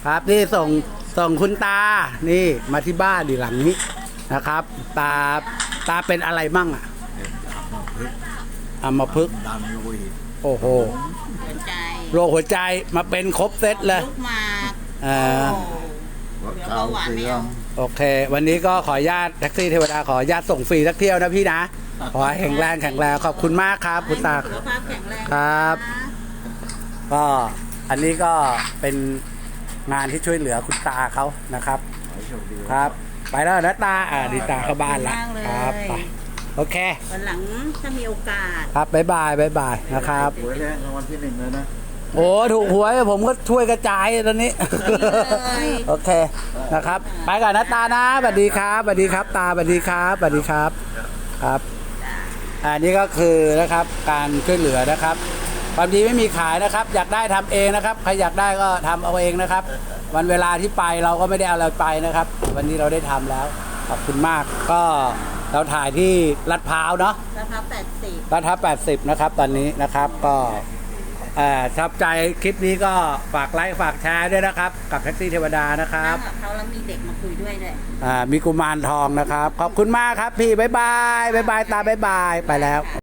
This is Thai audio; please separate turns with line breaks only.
ครับนี่ส่งคุณตานี่มาที่บ้านดีหลังนี้นะครับ ตาเป็นอะไรมั่งอ่ะอัมพฤกษ์
ดันโลหิต
โอ้โห
หัวใจ
โรคหัวใจมาเป็นครบเซตเลย
ลูกหมาก
อ่า
หัว
เดี๋ยว
เข่า
เบาหวาน
เสื่
ไม่
อ
เอา
ม
โอเค วันนี้ก็ขออนุญาตแท็กซี่เทวดาขออนุญาตส่งฟรีสักเที่ยวนะพี่นะขอให้แข็งแรงขอบคุณมากครับคุณตา
สุขภาพแข็งแรง
ครับ
นะ
ก็อันนี้ก็เป็นงานที่ช่วยเหลือคุณตาเขานะครับ
ขอให้โชคดี
ครับ ไปแล้วนะตาดีตาเข้าบ้านละครับไปโอเค
วันหลังถ้ามีโอกาส
ครับบ๊ายบายนะครับ
หวยแรกรางวัลที่ 1เลยนะ
โอ้ถูกหวยผมก็ช่วยกระจายตอนนี้ โอเคนะครับ ไปก่อนนะตานะสวัสดีครับสวัสดีครับตาสวัสดีครับสวัสดีครับครับอันนี้ก็คือนะครับการช่วยเหลือนะครับความดีไม่มีขายนะครับ อยากได้ทำเองนะครับใครอยากได้ก็ทำเอาเองนะครับ วันเวลาที่ไปเราก็ไม่ได้เอาอะไรไปนะครับ วันนี้เราได้ทำแล้วขอบคุณมากก็เราถ่ายที่ลาดพร้าวเนาะ
ราคา80
ลาดพร้าว80นะครับตอนนี้นะครับก็ชอบใจคลิปนี้ก็ฝากไลค์ฝากแชร์ด้วยนะครับกับแท็กซี่เทวดานะครับ
นั่งกับเขาแล้วมีเด็กมาคุยด้วยด้วย
มีกุมารทองนะครับขอบคุณมากครับพี่บ๊ายบายตาบ๊ายบายไปแล้ว